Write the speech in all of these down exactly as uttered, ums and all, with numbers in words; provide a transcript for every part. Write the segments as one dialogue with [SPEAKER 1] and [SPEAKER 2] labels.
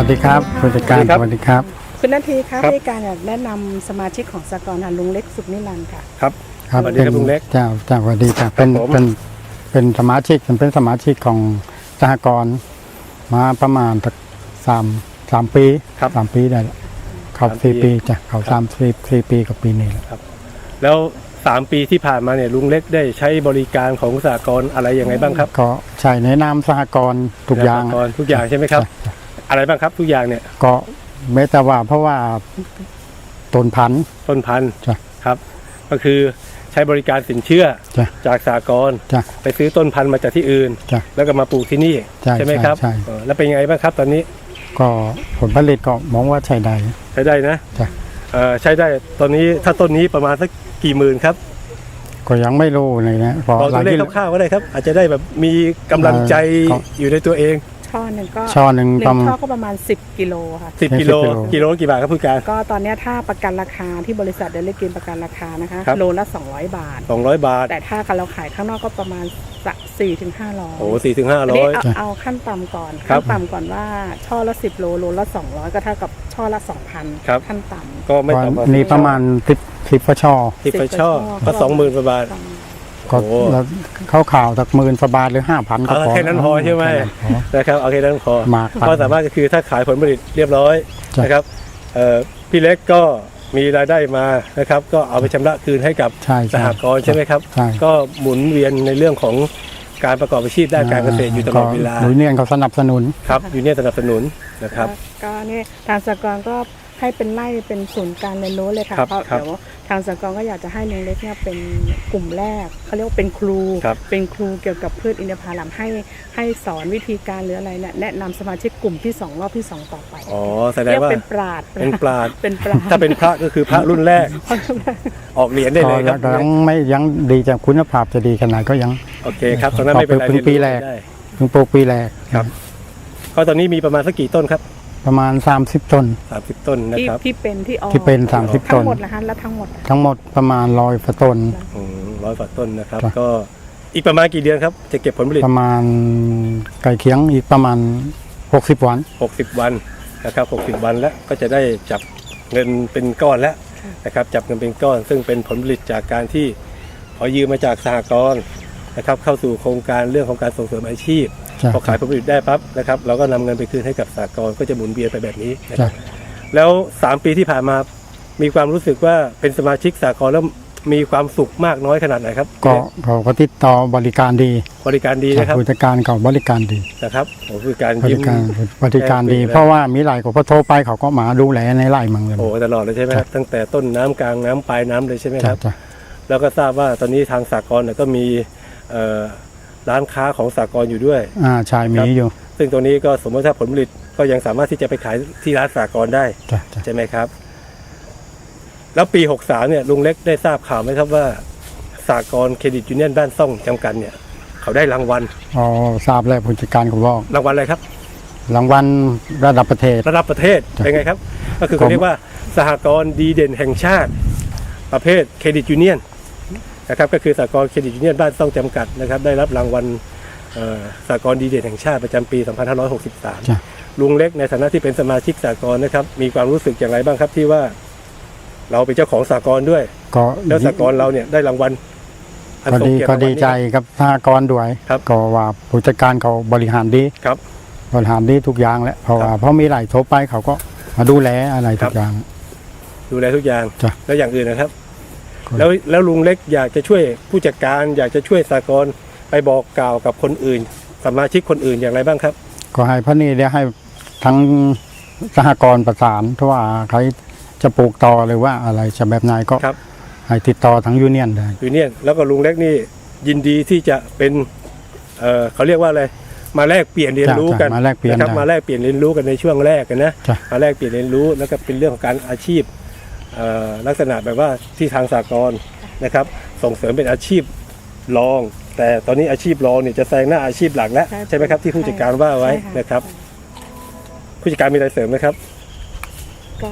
[SPEAKER 1] วัสดีครับผู้จัดการสวัสดีครับ
[SPEAKER 2] คุณนาทีครับในการอยากแนะนำสมาชิกของสหกรณ์ลุงเล็กสุขนิรันดร์ค่ะ
[SPEAKER 3] ครับ
[SPEAKER 1] ครับ
[SPEAKER 3] สวัสดีครับลุงเล็ก
[SPEAKER 1] เจ้าเจ้าสวัสดีครับเป็นเป็นเป็นสมาชิกเป็นสมาชิกของสหกรณ์มาประมาณสามสามปีสามปีได้แล้วเขาสี่ปีจ้ะเขาสามสี่สี่ปีกับปีนี้แล้ว
[SPEAKER 3] ครับแล้วสามปีที่ผ่านมาเนี่ยลุงเล็กได้ใช้บริการของสหกรณ์อะไรยังไงบ้างครับ
[SPEAKER 1] ก็ใช้ในนามสหกรณ์ทุกอย่าง
[SPEAKER 3] ทุกอย่างใช่ไหมครับอะไรบ้างครับทุกอย่างเนี่ย
[SPEAKER 1] ก็ไม่แต่ว่าเพราะว่าต้นพันธุ์
[SPEAKER 3] ต้นพันธุ์
[SPEAKER 1] จ้ะ
[SPEAKER 3] ครับก็คือใช้บริการสินเชื่อจากสหกรณ์ไปซื้อต้นพันธุ์มาจากที่อื่นแล้วก็มาปลูกที่นี่ใช่ไหมครับแล้วเป็นยังไงบ้างครับตอนนี้
[SPEAKER 1] ก็ผลผลิตก็มองว่าใช้ได้
[SPEAKER 3] ใช้ได้นะใช้ได้ตอนนี้ถ้าต้นนี้ประมาณสักกี่หมื่นครับ
[SPEAKER 1] ก็ยังไม่รู้เลยนะ
[SPEAKER 3] พอตัวเลขคร่าวๆก็ได้ครับอาจจะได้แบบมีกำลังใจอยู่ในตัวเอง
[SPEAKER 2] ช่อหนึ่งก็
[SPEAKER 1] ช่อหนึ่ง
[SPEAKER 2] ประมาณช่อก็ประมาณสิบกิโลค่ะ
[SPEAKER 3] สิบกิโลกิโลกี่บาทครับผู้การ
[SPEAKER 2] ก็ตอนนี้ถ้าประกันราคาที่บริษัทเดลิกินประกันราคานะคะโลละสองร้อยบาท
[SPEAKER 3] สองร้อยบาท
[SPEAKER 2] แต่ถ้าเราขายข้างนอกก็ประมาณสี่ถึงห้าร้อย
[SPEAKER 3] โอ้สี่ถึงห้าร้อย
[SPEAKER 2] เอาขั้นต่ำก่อนขั้นต่ำก่อนว่าช่อละสิบโลโลละสองร้อยก็เท่ากับช่อละสองพันขั้นต่ำ
[SPEAKER 3] ก็ไม่ต่ำกว่า
[SPEAKER 1] นี่ประมาณสิบสิบกว่าช่อ
[SPEAKER 3] สิบกว่าช่อก็สองหมื่นกว่าบาท
[SPEAKER 1] ก็เข้าข่าวจากหมื่นกว่าบาทหรือห้าพันก็พอ
[SPEAKER 3] แค่นั้นพอใช่ไหมนะครับเอาแค่นั้นพอก็สามารถก็คือถ้าขายผลผลิตเรียบร้อยนะครับพี่เล็กก็มีรายได้มานะครับก็เอาไปชำระคืนให้กับสหกรณ์ใช่ไหมครับก็หมุนเวียนในเรื่องของการประกอบอาชีพด้านการเกษตรอยู่ตลอดเวลา
[SPEAKER 1] ยูเนียนเขาสนับสนุน
[SPEAKER 3] ครับยูเนียนสนับสนุนนะครับ
[SPEAKER 2] ก็นี่ทางสหกรณ์ก็ให้เป็นไล่เป็นศูนย์การเรียนรู้เลยค่ะเพราะเดี๋ยวทางสหกรณ์ก็อยากจะให้ลุงเล็กเนี่ยเป็นกลุ่มแรกเขาเรียกว่าเป็นครูเป็นครูเกี่ยวกับพืชอินทผลัมให้ให้สอนวิธีการหรืออะไรเนี่ยแนะนำสมาชิกกลุ่มที่สองรอบที่สองต่อไป
[SPEAKER 3] อ๋อแสดงว่า
[SPEAKER 2] เป็นปราชญ์
[SPEAKER 3] เป็นปราชญ์
[SPEAKER 2] เป็นปราชญ์
[SPEAKER 3] ถ้าเป็นพระก็คือพระรุ่นแรกออกเหรียญได้เลยครับ
[SPEAKER 1] ยังไม่ยังดีจากคุณภาพจะดีขนาดก็ยัง
[SPEAKER 3] โอเคครับตอนนั้นไม่เป็นไร
[SPEAKER 1] เพิ่งปีแรกเพิ่งปลูกปีแรก
[SPEAKER 3] ครับก็ตอนนี้มีประมาณสักกี่ต้นครับ
[SPEAKER 1] ประมาณสามสิบต้น
[SPEAKER 3] สามสิบต้นนะครับ
[SPEAKER 2] ที่เป็นที่ออก
[SPEAKER 1] ที่เป็นสามสิบต้น
[SPEAKER 2] ทั้งหมดนะฮะแล้วทั้งหมด
[SPEAKER 1] ทั้งหมดประมาณร้อยต้น
[SPEAKER 3] ร้อยกว่าต้นนะครับก็อีกประมาณกี่เดือนครับจะเก็บผลผลิต
[SPEAKER 1] ประมาณไก่เคียงอีกประมาณหกสิบวัน
[SPEAKER 3] หกสิบวันนะครับหกสิบวันแล้วก็จะได้จับเงินเป็นก้อนแล้วนะครับจับเงินเป็นก้อนซึ่งเป็นผลผลิตจากการที่ขอยืมมาจากสหกรณ์นะครับเข้าสู่โครงการเรื่องของการส่งเสริมอาชีพพอขายผลผลิตได้ปั๊บนะครับเราก็นำเงินไปคืนให้กับสหกรณ์ก็จะหมุนเวียนไปแบบนี้นะครับแล้วสามปีที่ผ่านมามีความรู้สึกว่าเป็นสมาชิกสหกรณ์แล้วมีความสุขมากน้อยขนาดไหนครับ
[SPEAKER 1] ก็เขาก็ติดต่อบริการดี
[SPEAKER 3] บริการดีนะครับ
[SPEAKER 1] บริการเขาบริการดี
[SPEAKER 3] นะครับบริการ
[SPEAKER 1] บริการบริการดีเพราะว่ามีหลายคนพอโทรไปเขาก็มาดูแลในไร่มังเลย
[SPEAKER 3] โอ้ตลอดเลยใช่ไหมครับตั้งแต่ต้นน้ำกลางน้ำปลายน้ำเลยใช่ไหมครับแล้วก็ทราบว่าตอนนี้ทางสหกรณ์ก็มีร้านค้าของสหกรณ์อยู่ด้วย
[SPEAKER 1] อ่าใช่มีอยู่
[SPEAKER 3] ซึ่งตรงนี้ก็สมมติถ้าผลผลิตก็ยังสามารถที่จะไปขายที่ร้านสหกรณ์ได้ใช่ไหมครับแล้วปีหกสามเนี่ยลุงเล็กได้ทราบข่าวไหมครับว่าสหกรณ์เครดิตยูเนียนบ้านซ่องจำกัดเนี่ยเขาได้รางวัล
[SPEAKER 1] อ๋อทราบแล้วผู้จัดการเขาบอก
[SPEAKER 3] รางวัลอะไรครับ
[SPEAKER 1] รางวัลระดับประเทศ
[SPEAKER 3] ระดับประเทศเป็นไงครับก็คือเขาเรียกว่าสหกรณ์ดีเด่นแห่งชาติประเภทเครดิตยูเนียนนะครับก็คือสหกรณ์เครดิตยูเนียนบ้านซ่องจำกัดนะครับได้รับรางวัลสหกรณ์ดีเด่นแห่งชาติประจำปีสองพันห้าร้อยหกสิบสามลุงเล็กในฐานะที่เป็นสมาชิกสหกรณ์นะครับมีความรู้สึกอย่างไรบ้างครับที่ว่าเราเป็นเจ้าของสหกรณ์ด้วยแล้วสหกรณ์เราเนี่ยได้รางวัล
[SPEAKER 1] ก็ดีก็ดีใจกับสหกรณ์ด้วยก็ว่าผู้จัดการเขาบริหารดี
[SPEAKER 3] ครับ
[SPEAKER 1] บริหารดีทุกอย่างแหละเพราะว่าเพราะมีหลายโทรไปเขาก็มาดูแลอะไรทุกอย่าง
[SPEAKER 3] ดูแลทุกอย่างแล้วอย่างอื่นนะครับแล้วแล้วลุงเล็กอยากจะช่วยผู้จัดการอยากจะช่วยสหกรณ์ไปบอกกล่าวกับคนอื่นสมาชิกคนอื่นอย่างไรบ้างครับ
[SPEAKER 1] ก็ให้พระนี่ได้ให้ทั้งสหกรณ์ประสานเพราะว่าใครจะปลูกต่อหรือว่าอะไรจะแบบไหนก็ให้ติดต่อทั้งยูเนียนได้
[SPEAKER 3] ยูเนียนแล้วก็ลุงเล็กนี่ยินดีที่จะเป็นเอ่อเขาเรียกว่าอะไรมาแลกเปลี่ยนเรียนรู้กันนะครับมาแลกเปลี่ยนเรียนรู้กันในช่วงแรกกันนะมาแลกเปลี่ยนเรียนรู้แล้วก็เป็นเรื่องของการอาชีพลักษณะแบบว่าที่ทางสหกรณ์นะครับส่งเสริมเป็นอาชีพรองแต่ตอนนี้อาชีพรองเนี่ยจะแซงหน้าอาชีพหลักแล้วใช่ไหมครับที่ผู้จัดการว่าไว้นะครับผู้จัดการมีอะไรเสริมไหมครับ
[SPEAKER 2] ก็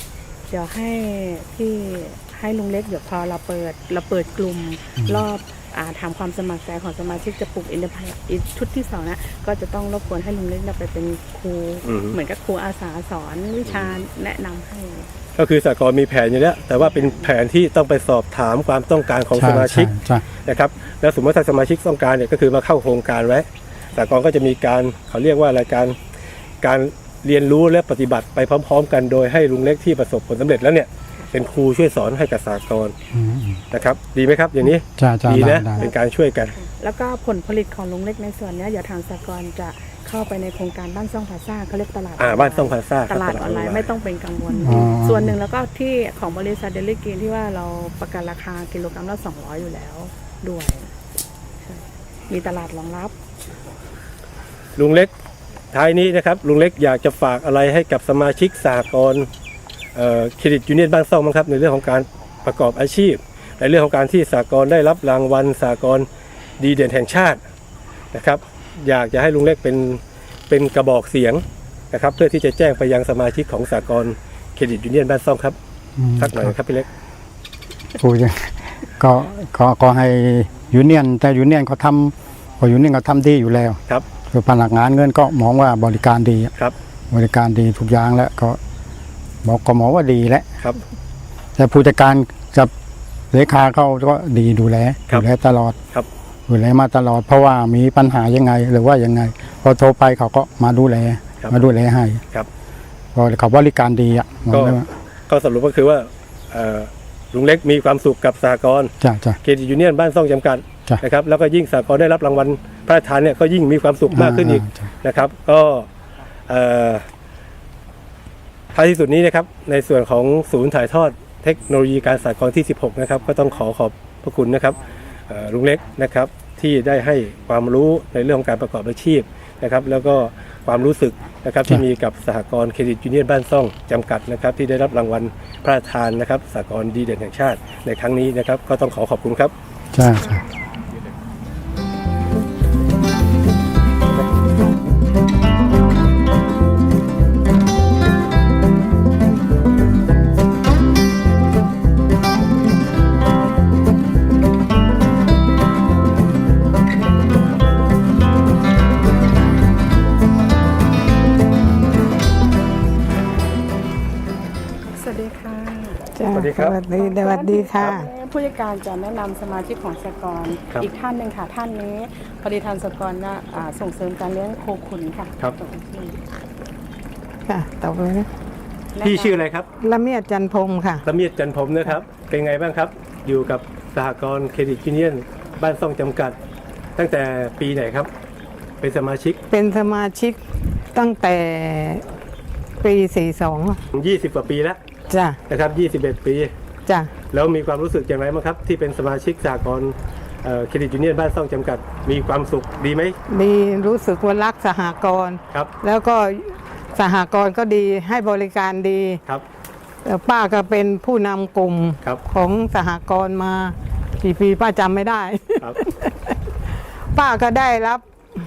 [SPEAKER 2] เดี๋ยวให้ที่ให้ลุงเล็กเดี๋ยวพอเราเปิดเราเปิดกลุ่มรอบอ่าถามความสมัครใจของสมาชิกจะปลูกอินทผลัมอีกชุดที่สองนะก็จะต้องรบกวนให้ลุงเล็กเนี่ยไปเป็นครูเหมือนกับครูอาสาสอนวิชาแนะนำให้
[SPEAKER 3] ก็คือสหกรณ์มีแผนอยู่แล้วแต่ว่าเป็นแผนที่ต้องไปสอบถามความต้องการของสมาชิกนะครับแล้วสมมติถ้าสมาชิกต้องการเนี่ยก็คือมาเข้าโครงการไว้สหกรณ์ก็จะมีการเขาเรียกว่าอะไรการการเรียนรู้และปฏิบัติไปพร้อมๆกันโดยให้ลุงเล็กที่ประสบผลสำเร็จแล้วเนี่ยเป็นครูช่วยสอนให้กับสหกรณ์นะครับดีไหมครับอย่างนี้ดีนะเป็นการช่วยกัน
[SPEAKER 2] แล้วก็ผลผลิตของลุงเล็กในส่วนนี้เดี๋ยวทางสหกรณ์จะเข้าไปในโครงการบ้านซ่องพาซ่าเขาเรียกตลาด
[SPEAKER 3] อ่าบ้านซ่องพาซ่า
[SPEAKER 2] ตลาดออนไลน์ไม่ต้องเป็นกังวลส่วนหนึ่งแล้วก็ที่ของบริษัทเดลิกินที่ว่าเราประกันราคากิโลกรัมละสองร้อยอยู่แล้วด้วยมีตลาดรองรับ
[SPEAKER 3] ลุงเล็กท้ายนี้นะครับลุงเล็กอยากจะฝากอะไรให้กับสมาชิกสหกรณ์เครดิตยูเนียนบ้านซ่องมั้งครับในเรื่องของการประกอบอาชีพในเรื่องของการที่สหกรณ์ได้รับรางวัลสหกรณ์ดีเด่นแห่งชาตินะครับอยากจะให้ลุงเล็กเป็นเป็นกระบอกเสียงนะครับเพื่อที่จะแจ้งไปยังสมาชิกของสหกรณ์เครดิตยูเนียนบ้านซ่องครับสักหน่อยครับพี่เล็ก
[SPEAKER 1] พูดก็ก็ก็ให้ยูเนียนแต่ยูเนียนเขาทำพอยูเนียนเขาทำดีอยู่แล้ว
[SPEAKER 3] ครับ
[SPEAKER 1] คือพนักงานเงินก็มองว่าบริการดี
[SPEAKER 3] ครับ
[SPEAKER 1] บริการดีทุกอย่างแล้วก็บอกก็มองว่าดีแล้ว
[SPEAKER 3] ครับ
[SPEAKER 1] แต่ผู้จัดการกับเลขาเขาก็ดีดูแลดูแลตลอด
[SPEAKER 3] ครับ
[SPEAKER 1] ดูแลมาตลอดเพราะว่ามีปัญหายังไงหรือว่ายังไงพอโทรไปเขาก็มาดูแลมาดูแลให้
[SPEAKER 3] ครับ
[SPEAKER 1] พอเขาบริการดีอ่ะ
[SPEAKER 3] ก็ก็สรุปก็คือว่าลุงเล็กมีความสุขกับสหกรณ์เครดิตยูเนียนบ้านซ่องจำกัดนะครับแล้วก็ยิ่งสหกรณ์ได้รับรางวัลพระราชทานเนี่ยก็ยิ่งมีความสุขมากขึ้นอีกนะครับก็ท้ายที่สุดนี้นะครับในส่วนของศูนย์ถ่ายทอดเทคโนโลยีการสหกรณ์ที่สิบหกนะครับก็ต้องขอขอบพระคุณนะครับลุงเล็กนะครับที่ได้ให้ความรู้ในเรื่องของการประกอบอาชีพนะครับแล้วก็ความรู้สึกนะครับที่มีกับสหกรณ์เครดิตยูเนียนบ้านซ่องจำกัดนะครับที่ได้รับรางวัลพระราชทานนะครับสหกรณ์ดีเด่นแห่งชาติในครั้งนี้นะครับก็ต้องขอขอบคุณครับ
[SPEAKER 1] ใช่
[SPEAKER 3] สวัสดีครับ
[SPEAKER 4] สวัสดีสวัสดีค่ะ
[SPEAKER 2] ผู้จัดการจะแนะนำสมาชิกของสหกรณ์อีกท่านหนึ่งค่ะท่านนี้พอดีทางสหกรณ์นะส่งเสริมการเลี้ยงโคขุนค่ะ
[SPEAKER 3] ครับ
[SPEAKER 4] ค่ะต่อไปนะ
[SPEAKER 3] พี่ชื่ออะไรครับ
[SPEAKER 4] ละเมียดจันพรมค่ะ
[SPEAKER 3] ละเมียดจันพรมนะครับเป็นไงบ้างครับอยู่กับสหกรณ์เครดิตยูเนียนบ้านซ่องจำกัดตั้งแต่ปีไหนครับเป็นสมาชิก
[SPEAKER 4] เป็นสมาชิกตั้งแต่ปีสี่สิบสอง
[SPEAKER 3] ยี่สิบกว่าปีแล้ว
[SPEAKER 4] จ้ะ
[SPEAKER 3] นะครับยี่สิบเอ็ดปี
[SPEAKER 4] จ้ะ
[SPEAKER 3] แล้วมีความรู้สึกอย่างไรบ้างครับที่เป็นสมาชิกสหกรณ์เครดิตยูเนียนบ้านซ่องจำกัดมีความสุขดีไหม
[SPEAKER 4] ดีรู้สึกว่ารักสหกรณ์
[SPEAKER 3] ครับ
[SPEAKER 4] แล้วก็สหกรณ์ก็ดีให้บริการดี
[SPEAKER 3] ครับ
[SPEAKER 4] ป้าก็เป็นผู้นำกลุ่มของสหกรณ์มากี่ปีป้าจำไม่ได้
[SPEAKER 3] ครับ
[SPEAKER 4] ป้าก็ได้รับ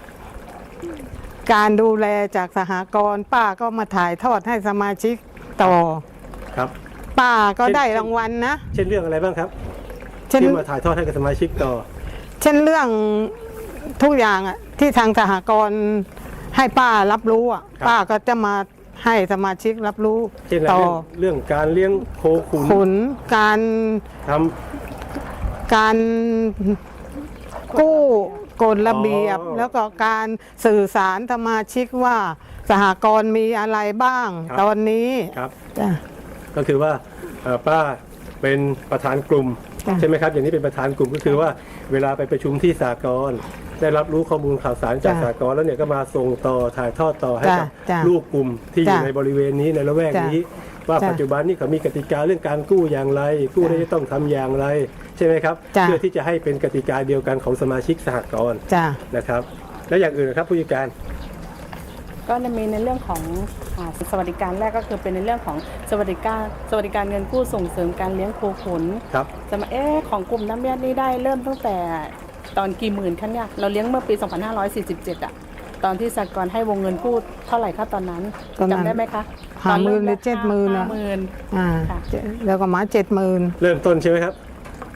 [SPEAKER 4] การดูแลจากสหกรณ์ป้าก็มาถ่ายทอดให้สมาชิกต่อ
[SPEAKER 3] ครับ
[SPEAKER 4] ป้าก็ได้รางวัลนะ
[SPEAKER 3] เช่นเรื่องอะไรบ้างครับที่มาถ่ายทอดให้กับสมาชิกต่อ
[SPEAKER 4] เช่นเรื่องทุกอย่างอ่ะที่ทางสหกรณ์ให้ป้ารับรู้อ่ะป้าก็จะมาให้สมาชิกรับรู้
[SPEAKER 3] ต่อเรื่องการเลี้ยงโคขุน
[SPEAKER 4] ขุนการ
[SPEAKER 3] ท
[SPEAKER 4] ำการกู้กฎระเบียบแล้วก็การสื่อสารสมาชิกว่าสหกรณ์มีอะไรบ้างตอนนี้
[SPEAKER 3] ครับก็คือว่าป้าเป็นประธานกลุ่มใช่ไหมครับอย่างนี้เป็นประธานกลุ่มก็คือว่าเวลาไปประชุมที่สหกรณ์ได้รับรู้ข้อมูลข่าวสารจากสหกรณ์แล้วเนี่ยก็มาส่งต่อถ่ายทอดต่อให้กับลูกกลุ่มที่อยู่ในบริเวณนี้ในละแวกนี้ว่าปัจจุบันนี้เขามีกติกาเรื่องการกู้อย่างไรกู้ได้ต้องทำอย่างไรใช่ไหมครับเพื่อที่จะให้เป็นกติกาเดียวกันของสมาชิกสหกรณ์นะครับแล้วอย่างอื่นนะครับผู้จัดการ
[SPEAKER 2] ก็จะมีในเรื่องของสวัสดิการแรกก็คือเป็นในเรื่องของสวัสดิการสวัสดิการเงินกู้ส่งเสริมการเลี้ยงโคขุน
[SPEAKER 3] ครับ
[SPEAKER 2] จะมาเอ๊ะของกลุ่มน้ำเมียดนี่ได้เริ่มตั้งแต่ตอนกี่หมื่นคะเนี่ยเราเลี้ยงเมื่อปีสองพันห้าร้อยสี่สิบเจ็ดอ่ะตอนที่สหกรณ์ให้วงเงินกู้เท่าไหร่คะตอนนั้นจำได้ไหมคะ
[SPEAKER 4] ห้าหมื่นหรือเจ็ดหมื่น
[SPEAKER 2] ห้าหมื่น
[SPEAKER 4] อ่าแล้วก็มาเจ็ดหมื่น
[SPEAKER 3] เริ่มต้นใช่ไหมครับ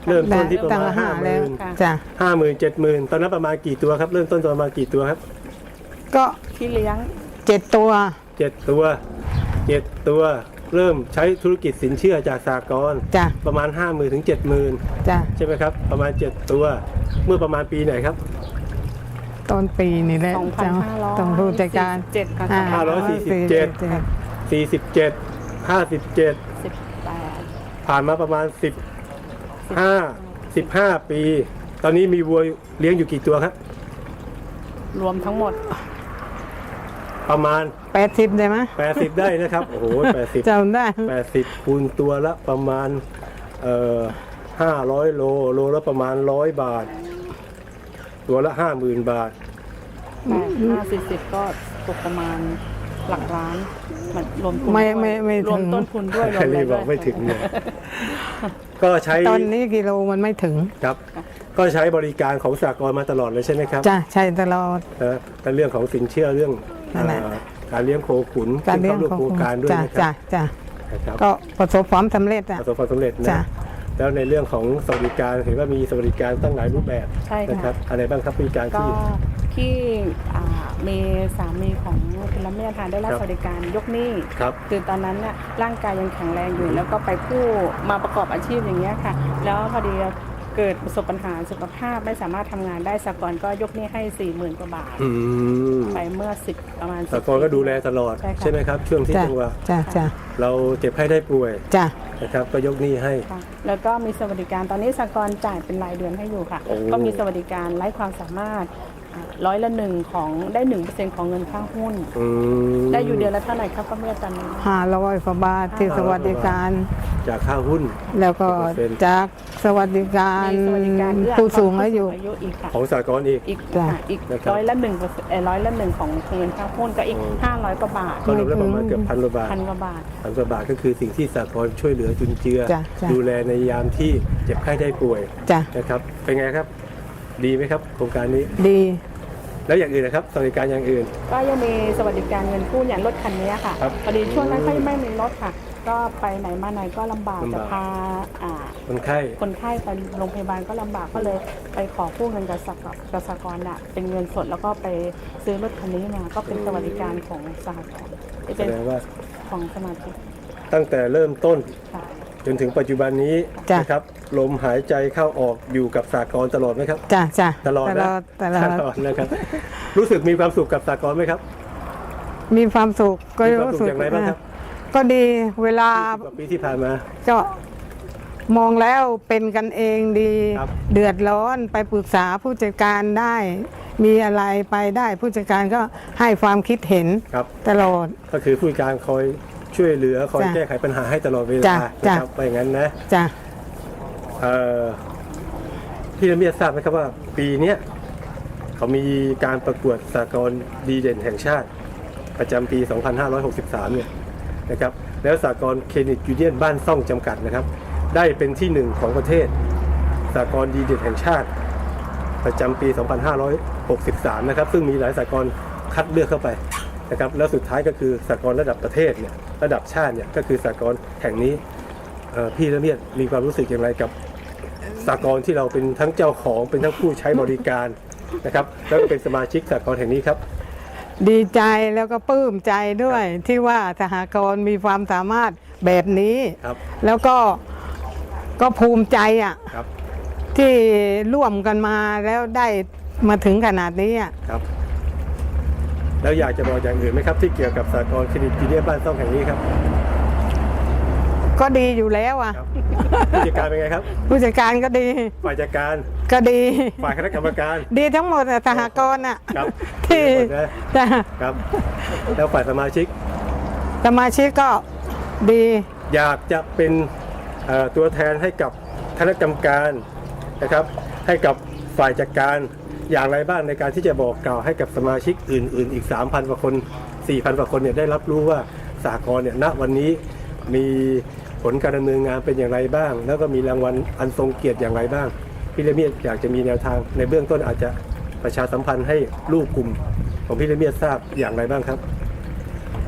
[SPEAKER 3] เริ่มต้นที่ประ
[SPEAKER 4] ตั้ง
[SPEAKER 3] มาณ
[SPEAKER 4] ห้า
[SPEAKER 3] ห้าห
[SPEAKER 4] แล้
[SPEAKER 3] มื่
[SPEAKER 4] วน
[SPEAKER 2] ค่ะ
[SPEAKER 4] จ้ะ
[SPEAKER 3] ห้าหมื่นเจ็ดหมื่นตอนนั้นประมาณกี่ตัวครับ เริ่มต้นประมาณกี่ตัวครับ
[SPEAKER 4] ก็
[SPEAKER 2] ที่เลี้ยง
[SPEAKER 4] เจ็ดตัว
[SPEAKER 3] เจ็ดตัวเจ็ดตัวเริ่มใช้ธุรกิจสินเชื่อจากสหกรณ์
[SPEAKER 4] จ้ะ
[SPEAKER 3] ประมาณห้าหมื่นถึงเจ็ดหมื่น
[SPEAKER 4] จ้ะ
[SPEAKER 3] ใช่ไหมครับ ประมาณเจ็ดตัวเมื่อประมาณปีไหนครับ
[SPEAKER 4] ต้นปีนี่แหละ
[SPEAKER 2] สองพันห้าร้อย
[SPEAKER 4] ต้องผู้จัดการ
[SPEAKER 2] เจ็ดค่ะ
[SPEAKER 4] อ่
[SPEAKER 3] ห้าร้อยสี่สิบเจ็ด สี่สิบเจ็ด ห้าสิบเจ็ด
[SPEAKER 2] สิบแปด
[SPEAKER 3] ผ่านมาประมาณสิบห้า สิบห้าปี ตอนนี้มีวัวเลี้ยงอยู่กี่ตัวครับ
[SPEAKER 2] รวมทั้งหมด
[SPEAKER 3] ประมาณ
[SPEAKER 4] แปดสิบได้ไหม
[SPEAKER 3] แปดสิบได้นะครับ โอ้โหแปดสิบ
[SPEAKER 4] จำได้
[SPEAKER 3] แปดสิบคูณตัวละประมาณเอ่อห้าร้อยโลโลละประมาณร้อยบาท ตัวละห้าหมื่นบาท
[SPEAKER 2] แปดห้าสี่สิบก็ตกประมาณหลักล้านมันรวมทุน
[SPEAKER 4] ไม่
[SPEAKER 2] ด้วย
[SPEAKER 4] ไม่ไม่
[SPEAKER 2] รวม
[SPEAKER 4] ถึง
[SPEAKER 2] ต้นทุนด้วยรวมอะไร
[SPEAKER 3] รีบ
[SPEAKER 2] ด้
[SPEAKER 3] บ
[SPEAKER 2] ว
[SPEAKER 3] อย กไม่ถึงเนี่ยก็ใช้
[SPEAKER 4] ตอนนี้กิโลมันไม่ถึง
[SPEAKER 3] ครับ ก็ใช้บริการของสหกรณ์มาตลอดเลยใช่ไหมครับ
[SPEAKER 4] จ้ะใช่ตลอด
[SPEAKER 3] นะแต่เรื่องของสินเชื่อเรื่อง
[SPEAKER 4] นั่นแหละ
[SPEAKER 3] เอ่อการเลี้ยงโคขุน
[SPEAKER 4] การเลี้ยง
[SPEAKER 3] ซึ่
[SPEAKER 4] ของ
[SPEAKER 3] ข้าร่วมโครงการด้วย
[SPEAKER 4] จ้ะ
[SPEAKER 3] นะค
[SPEAKER 4] จ้ะ
[SPEAKER 3] รับ
[SPEAKER 4] จ้ะ
[SPEAKER 3] นะครับ
[SPEAKER 4] ก็ประสบความสำเร็จอ่ะ
[SPEAKER 3] ประสบความสำเร็จ
[SPEAKER 4] จ้ะ
[SPEAKER 3] นะแล้วในเรื่องของสวัสดิการเห็นว่ามีสวัสดิการตั้งหลายรูปแบบ
[SPEAKER 2] ใช่ค่ะ
[SPEAKER 3] นะครับอะไรบ้างครับบริการ
[SPEAKER 2] ก็
[SPEAKER 3] ที่
[SPEAKER 2] ที่อ่ามีสามีของคุณละเมียทานได้รับ
[SPEAKER 3] ครับ
[SPEAKER 2] สวัสดิการยกหนี้
[SPEAKER 3] ครับ
[SPEAKER 2] คือตอนนั้นน่ะร่างกายยังแข็งแรงอยู่ แล้วก็ไปกู้มาประกอบอาชีพอย่างเงี้ยค่ะ แล้วพอดีเกิดประสบปัญหาสุขภาพไม่สามารถทำงานได้สหกรณ์ก็ยกหนี้ให้สี่หมื่นกว่าบาท
[SPEAKER 3] อืม
[SPEAKER 2] ไปเมื่อสิบประมาณ
[SPEAKER 3] สหกรณ์ก็ดูแลตลอด
[SPEAKER 2] ใช่ค่ะ
[SPEAKER 3] ใช่ไหมครับ ช่วงที่
[SPEAKER 4] จ้ะ
[SPEAKER 3] จังหวะ
[SPEAKER 4] จ้ะจ้ะ
[SPEAKER 3] เราเจ็บไข้ได้ป่วย
[SPEAKER 4] จ้ะ
[SPEAKER 3] นะครับ ก็ยกหนี้ให้
[SPEAKER 2] ค่ะแล้วก็มีสวัสดิการตอนนี้สหกรณ์จ่ายเป็นรายเดือนให้อยู่ค่ะ
[SPEAKER 3] โอ้
[SPEAKER 2] ก็มีสวัสดิการไร้ความสามารถอ่าร้อยละหนึ่งของได้หนึ่งเปอร์เซ็นต์ของเงินค่าหุ้น
[SPEAKER 3] อืม
[SPEAKER 2] ได้อยู่เดือนละเท่าไหร่ครับป้าเมียตอนนี้
[SPEAKER 4] ห้าร้อยกว่าบาทที่สวัสดิการ
[SPEAKER 3] จากค่าหุ้น
[SPEAKER 4] แล้วก็จากสวัสดิการ
[SPEAKER 2] มีสวัสดิการเอื้อ
[SPEAKER 4] ผู้สูงอายุ
[SPEAKER 2] อายุอีกค่ะ
[SPEAKER 3] ของสหกรณ์อีก
[SPEAKER 2] อีก
[SPEAKER 4] จ้ะ
[SPEAKER 2] ค่ะอีก
[SPEAKER 3] นะครับ
[SPEAKER 2] ร้อยละหนึ่งเปอร์เซ็นต์ร้อยละหนึ่งของเงินค่าหุ้นก็อีก
[SPEAKER 3] โอ้
[SPEAKER 2] ห้าร้อยกว่าบาท
[SPEAKER 3] ก็รวมแล้วประมาณเกือบพันกว่าบาท
[SPEAKER 2] พันกว่าบาท
[SPEAKER 3] พันกว่าบาทก็คือสิ่งที่สหกรณ์ช่วยเหลือจุนเจือ
[SPEAKER 4] จ้ะจ้ะ
[SPEAKER 3] ดูแลในยามที่เจ็บไข้ได้ป่วย
[SPEAKER 4] จ้ะ
[SPEAKER 3] นะครับ เป็นไงครับ ดีไหมครับ โครงการนี้
[SPEAKER 4] ดี
[SPEAKER 3] แล้วอย่างอื่นนะครับสวัสดิการอย่างอื่น
[SPEAKER 2] ก็ยังมีสวัสดิการเงินกู้อย่างรถคันนี้ค่ะ
[SPEAKER 3] ครับ
[SPEAKER 2] พอดีช่วงนั้นก็ไม่มีรถค่ะ ก็ไปไหนมาไหนก็ลำบาก
[SPEAKER 3] ลำบาก
[SPEAKER 2] จะพาอ่า
[SPEAKER 3] คนไข้
[SPEAKER 2] คนไข้ไปโรงพยาบาลก็ลำบากก็เลยไปขอกู้เงินกับสหกรณ์กับสหกรณ์อะเป็นเงินสดแล้วก็ไปซื้อรถคันนี้มาก็เป็นสวัสดิการของสหกรณ์ที่
[SPEAKER 3] แส
[SPEAKER 2] เป็น
[SPEAKER 3] ดงว่า
[SPEAKER 2] ของสมาชิก
[SPEAKER 3] ตั้งแต่เริ่มต้น
[SPEAKER 2] ค่ะ
[SPEAKER 3] จนถึงปัจจุบันนี้
[SPEAKER 4] จ้ะ
[SPEAKER 3] นะครับลมหายใจเข้าออกอยู่กับสหกรณ์ตลอดไหมครับ
[SPEAKER 4] จ้ะจ้ะ
[SPEAKER 3] ตลอด
[SPEAKER 4] ต
[SPEAKER 3] นะ
[SPEAKER 4] ลอดตลอด
[SPEAKER 3] ตลอดนะครับ รู้สึกมีความสุขกับสหกรณ์ไหมครับ
[SPEAKER 4] มีความสุขก็
[SPEAKER 3] มีความ
[SPEAKER 4] รู้
[SPEAKER 3] สุข
[SPEAKER 4] สึก
[SPEAKER 3] อย่างไรบ้างครับ
[SPEAKER 4] ก็ดีเวลา
[SPEAKER 3] ยี่สิบกว่าปีที่ผ่านมา
[SPEAKER 4] ก็มองแล้วเป็นกันเองดี
[SPEAKER 3] ครับ
[SPEAKER 4] เดือดร้อนไปปรึกษาผู้จัดการได้ มีอะไรไปได้ผู้จัดการก็ให้ความคิดเห็น
[SPEAKER 3] ครับ
[SPEAKER 4] ตลอด
[SPEAKER 3] ก็คือผู้การคอยช่วยเหลือคอย
[SPEAKER 4] จ้ะ
[SPEAKER 3] แก้ไขปัญหาให้ตลอดเว
[SPEAKER 4] จ้ะ
[SPEAKER 3] ลา
[SPEAKER 4] จ้ะ
[SPEAKER 3] นะครับไปอย่างนั้นนะ
[SPEAKER 4] จ้ะ
[SPEAKER 3] เอ่อพี่ละเมียดทราบไหมครับว่า ปีเนี้ยเขามีการประกวดสากลดีเด่นแห่งชาติ ประจำปี สองพันห้าร้อยหกสิบสาม เนี่ยนะครับแล้วสากลเครดิตยูเนียนบ้านซ่องจำกัดนะครับ ได้เป็นที่หนึ่งของประเทศสากลดีเด่นแห่งชาติ ประจำปี สองพันห้าร้อยหกสิบสาม นะครับซึ่งมีหลายสากลคัดเลือกเข้าไปนะครับแล้วสุดท้ายก็คือสากลระดับประเทศเนี่ยระดับชาติเนี่ยก็คือสากลแห่งนี้เอ่อพี่ละเมียดมีความรู้สึกอย่างไรกับสากลที่เราเป็นทั้งเจ้าของเป็นทั้งผู้ใช้บริการนะครับแล้วก็เป็นสมาชิกสากลแห่งนี้ครับ
[SPEAKER 4] ดีใจแล้วก็ปลื้มใจด้วยที่ว่าสหกรณ์มีความสามารถแบบนี้
[SPEAKER 3] ครับ
[SPEAKER 4] แล้วก็ก็ภูมิใจอ่ะ
[SPEAKER 3] ครับ
[SPEAKER 4] ที่ร่วมกันมาแล้วได้มาถึงขนาดนี้อ่ะ
[SPEAKER 3] ครับ แล้วอยากจะบอกอย่างอื่นไหมครับที่เกี่ยวกับสากลเครดิตยูเนียนบ้านซ่องแห่งนี้ครับ
[SPEAKER 4] ก็ดีอยู่แล้วอ่ะ
[SPEAKER 3] ครับผู้จัดการเป็นไงครับ
[SPEAKER 4] ผู้จัดการก็ดี
[SPEAKER 3] ฝ่ายจัดการ
[SPEAKER 4] ก็ดี
[SPEAKER 3] ฝ่ายคณะกรรมการ
[SPEAKER 4] ดีทั้งหมดอะสหกรณ์อ่ะ
[SPEAKER 3] ครับ
[SPEAKER 4] ที่
[SPEAKER 3] ดีหมดนะ
[SPEAKER 4] จ้ะ
[SPEAKER 3] ครับ แล้วฝ่ายสมาชิก
[SPEAKER 4] สมาชิกก็ดี
[SPEAKER 3] อยากจะเป็นเอ่อตัวแทนให้กับคณะกรรมการนะครับ ให้กับฝ่ายจัดการอย่างไรบ้างในการที่จะบอกกล่าวให้กับสมาชิกอื่น ๆ อีก สามพัน กว่าคน สี่พัน กว่าคนเนี่ยได้รับรู้ว่าสหกรณ์เนี่ยณวันนี้มีผลการดำเนินงานเป็นอย่างไรบ้าง แล้วก็มีรางวัลอันทรงเกียรติอย่างไรบ้างพี่ละเมียดอยากจะมีแนวทางในเบื้องต้นอาจจะประชาสัมพันธ์ให้ลูกกลุ่มของพี่ละเมียดทราบอย่างไรบ้างครับ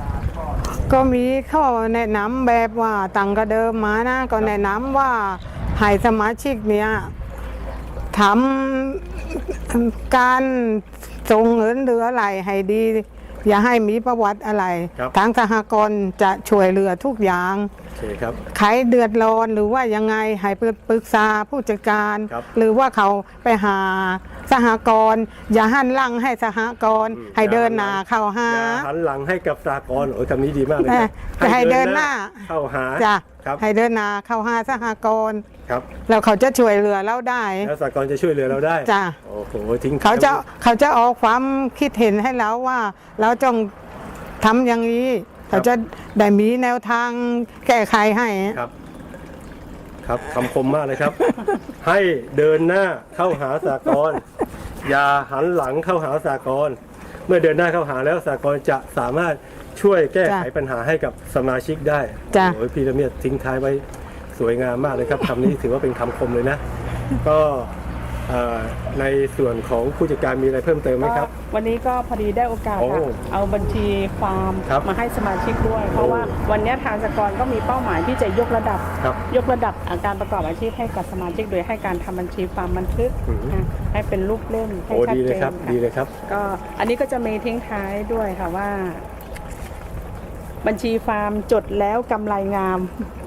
[SPEAKER 4] ก็มีข้อแนะนำแบบว่าตังก็เดิมมานะ ก็แนะนำว่าให้สมาชิกเนี้ยทำการส่งเงินหรืออะไรให้ดี อย่าให้มีประวัติอะไร
[SPEAKER 3] ครับ
[SPEAKER 4] ทางสหกรณ์จะช่วยเหลือทุกอย่าง
[SPEAKER 3] โอเคครับ
[SPEAKER 4] ใครเดือดร้อนหรือว่ายังไงให้ปรึกษาผู้จัดการ
[SPEAKER 3] ครับ
[SPEAKER 4] หรือว่าเขาไปหาสหกรณ์อย่าหันหลังให้สหกรณ์
[SPEAKER 3] อืม
[SPEAKER 4] ให้เดินหน้าเข้าหา
[SPEAKER 3] อย่าหันหลังให้กับสากลโอ้ยคำนี้ดีมากเลยครับ
[SPEAKER 4] แต่ให้เดินหน้า
[SPEAKER 3] เข้าหา
[SPEAKER 4] จ้ะ
[SPEAKER 3] ครับ
[SPEAKER 4] ให้เดินหน้าเข้าหาสหกรณ์
[SPEAKER 3] ครับ
[SPEAKER 4] แล้วเขาจะช่วยเหลือเราได้
[SPEAKER 3] แล้วสากลจะช่วยเหลือเราได้
[SPEAKER 4] จ้ะ
[SPEAKER 3] โอ้โหทิ้ง
[SPEAKER 4] เขาจะเขาจะออกความคิดเห็นให้เราว่า เราต้องทำอย่างนี้ เขาจะได้มีแนวทางแก้ไขให้
[SPEAKER 3] ครับ ครับคำคมมากเลยครับ ให้เดินหน้าเข้าหาสากลอย่าหันหลังเข้าหาสากลเมื่อเดินหน้าเข้าหาแล้วสากลจะสามารถช่วยแก้ไข
[SPEAKER 4] จ้ะ
[SPEAKER 3] ปัญหาให้กับสมาชิกได้
[SPEAKER 4] จ้ะ
[SPEAKER 3] โอ้ยพี่ละเมียดทิ้งท้ายไว้สวยงามมากเลยครับคำนี้ถือว่าเป็นคำคมเลยนะ ก็เอ่อในส่วนของผู้จัดการมีอะไรเพิ่มเติมไหมครับ
[SPEAKER 2] ก็วันนี้ก็พอดีได้โอกาส
[SPEAKER 3] โอ้
[SPEAKER 2] ค่ะเอาบัญชีฟาร์ม
[SPEAKER 3] ครับ
[SPEAKER 2] มาให้สมาชิกด้วย เพราะว่าวันนี้ทางสหกรณ์ก็มีเป้าหมายที่จะยกระดับ
[SPEAKER 3] ครับ
[SPEAKER 2] ยกระดับการประกอบอาชีพให้กับสมาชิกโดยให้การทำบัญชีฟาร์มบันทึก
[SPEAKER 3] อืม
[SPEAKER 2] นะให้เป็นรูปเล่มให้
[SPEAKER 3] โอ้
[SPEAKER 2] ชัด
[SPEAKER 3] ดีเล
[SPEAKER 2] เจ
[SPEAKER 3] ย
[SPEAKER 2] น
[SPEAKER 3] ครับ
[SPEAKER 2] ค่ะ
[SPEAKER 3] ดีเลยครับ
[SPEAKER 2] ก็อันนี้ก็จะมีทิ้งท้ายด้วยค่ะว่า บัญชีฟาร์มจดแล้วกำไรงาม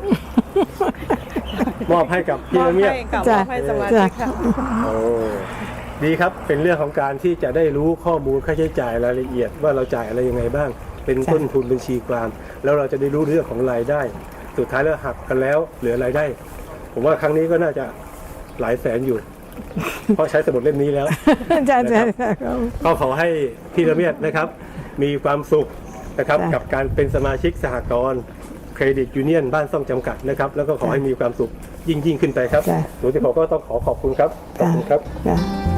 [SPEAKER 3] มอบให้กับพี่ละเมียด
[SPEAKER 2] ให้กับ
[SPEAKER 4] จ้ะ
[SPEAKER 2] มอบให้สมาชิกค่ะ
[SPEAKER 3] โอ้ดีครับเป็นเรื่องของการที่จะได้รู้ข้อมูลค่าใช้จ่ายรายละเอียดว่าเราจ่ายอะไรยังไงบ้าง เป็นต้นทุนบัญชีความแล้วเราจะได้รู้เรื่องของรายได้ สุดท้ายแล้วหักกันแล้วเหลือรายได้ ผมว่าครั้งนี้ก็น่าจะหลายแสนอยู่ เพราะใช้สมุดเล่มนี้แล้ว
[SPEAKER 4] จ้ะจ้ะ
[SPEAKER 3] ก็ขอให้พี่ละเมียดนะครับ มีความสุขนะครับ
[SPEAKER 4] จ้ะ
[SPEAKER 3] กับการเป็นสมาชิกสหกรณ์เครดิตยูเนียนบ้านซ่องจำกัดนะครับ แล้วก็ขอให้มีความสุขยิ่งยิ่งขึ้นไปครับ
[SPEAKER 4] จ้ะ
[SPEAKER 3] หนูที่ผมก็ต้องขอขอบคุณครับขอบคุณครับ
[SPEAKER 4] จ้ะ